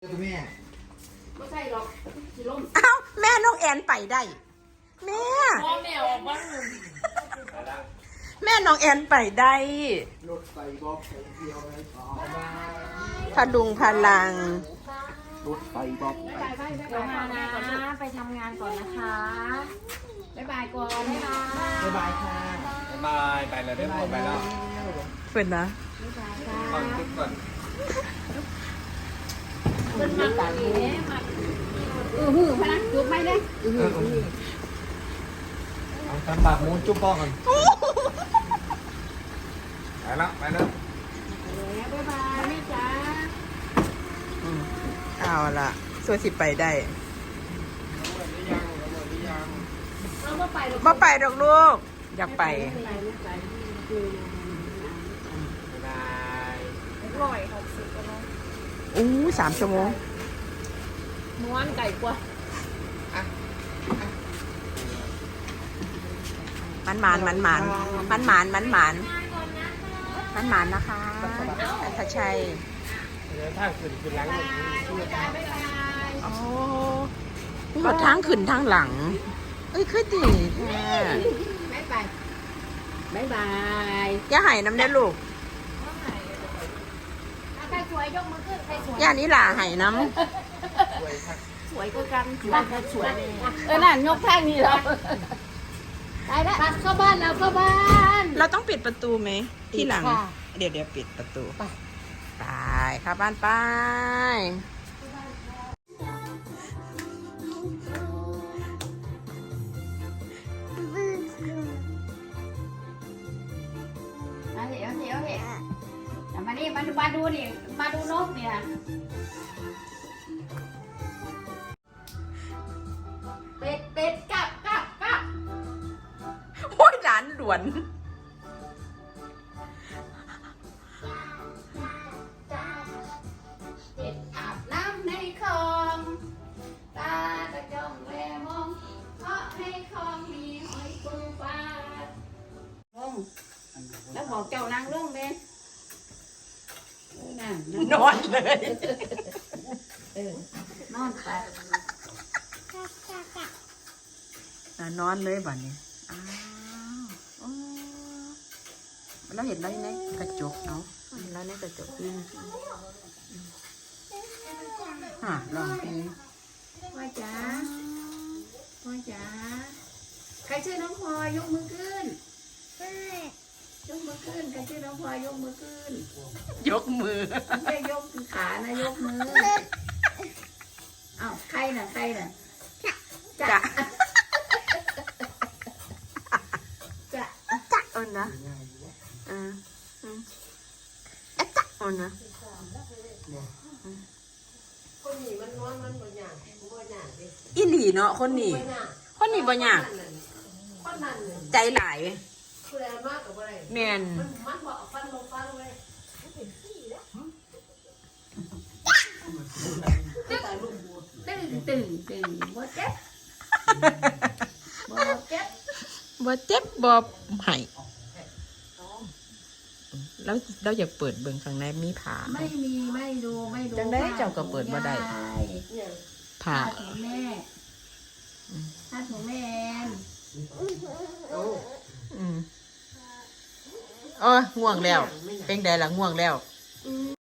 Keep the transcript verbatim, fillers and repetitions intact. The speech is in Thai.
แม่ไม่ใช่หรอกสิล้มอ้าวแม่น้องแอนไปได้แม่พ่อแมวบ้างแม่น้องแอนไปได้รถไฟบอกไปเที่ยวไปต่อมาพลุงพลังรถไฟบอกไปบายบายบายบายนะไปทำงานก่อนนะคะบายบายก่อนบ๊ายบายบ๊ายบายค่ะบายไปแล้วได้หมดไปแล้วเพื่อนนะบ๊ายบายค่ะก่อนจุดก่อนเป็นมาต่างนี้มาเออหือพนักจุ๊บไม่ได้เอาทำปากมูจุ๊บป้องก่อนไปแล้วไปแล้วบ๊ายบายแม่จ๋าอืมเอาละส่วนสิไปได้เราไม่ไปหรอกมาไปดอกลูก อยากไปไม่ไปไม่ไปคือบ๊ายบายร้อยหกสิบกันแล้วอู้สามชั่วโมงม้วนไก่กว่ามันหมานมันหมานมันหมานมันหมานมันหมานนะคะอัธชัยเดี๋ยวถ้าขึ้นขึ้นหลังหมดบ๊ายบายโอ้หอดทางขึ้นทางหลัง เอ้ยคือดีแท้บ๊ายบายบ๊ายบายอย่าใหายน้ำได้ลูกใครสวยยกมือขึ้นใครสวยย่านี้หล่าใหายน้สวยก็กันสวยก็สวยเออนั่นยกแท่งนี่แล้วได้แล้วเข้าบ้านแล้วเข้าบ้านำเราต้องปิดประตูไหมที่หลังค่ะเดี๋ยวเดี๋ยวปิดประตูไปไปเข้าบ้านไปมาเดี๋ยวเดี๋ยวเดี๋ยวมานี่มาดูมาดูนี่มาดูนกเนี่ยเป็ดเป็ดกลับกลับกลับโอ้ยร้านด่วนเป็ดอาบน้ำในคลองตาตะจ้องแลมองเพราะในคลองมีหอยปูปลาลงแล้วบอกเจ้านางลงเลยเออนั่นนั่นนอนเลยเออนอนไปอ่ะนอนเลยบัดนี้อ้าวอ๋อเราเห็นแล้วในกระจกเนาะเห็นแล้วในกระจกนี่ฮะลองเพลงพ่อจ๋าพ่อจ๋าใครชื่อน้องพลอยยกมือขึ้นยกมือขึ้นใครชื่อน้องพลอยยกมือขึ้นยกมือไม่ใช่ยกขานะยกมืออ้าวใครน่ะใครน่ะจะจะจะเอินนะเอออืมเอ๊ะจะเอินนะคนนี้มันน้อยมันบ่ยากบ่ยากดิอีหลีเนาะคนนี้บ่ยากคนนี้บ่ยากคนนั้นน่ะใจหลายผู้ใดมากก็บ่ได้แม่นมันมันบ่เอาฟันลงฟันเลยตึงตึงตึงบ่เจ็บบ่เจ็บบ่เจ็บบ่ไหายแล้วเราอยากเปิดเบิ่งข้างในมีผ้าไม่มีไม่ดูไม่ดูจังได้เจ้าก็เปิดบ่ได้เนี่ยผ้าผ้าถุงแม่ผ้าถุงแม่แอนอืมโอ้ยง่วงแล้ว เป็นไดล่ะง่วงแล้ว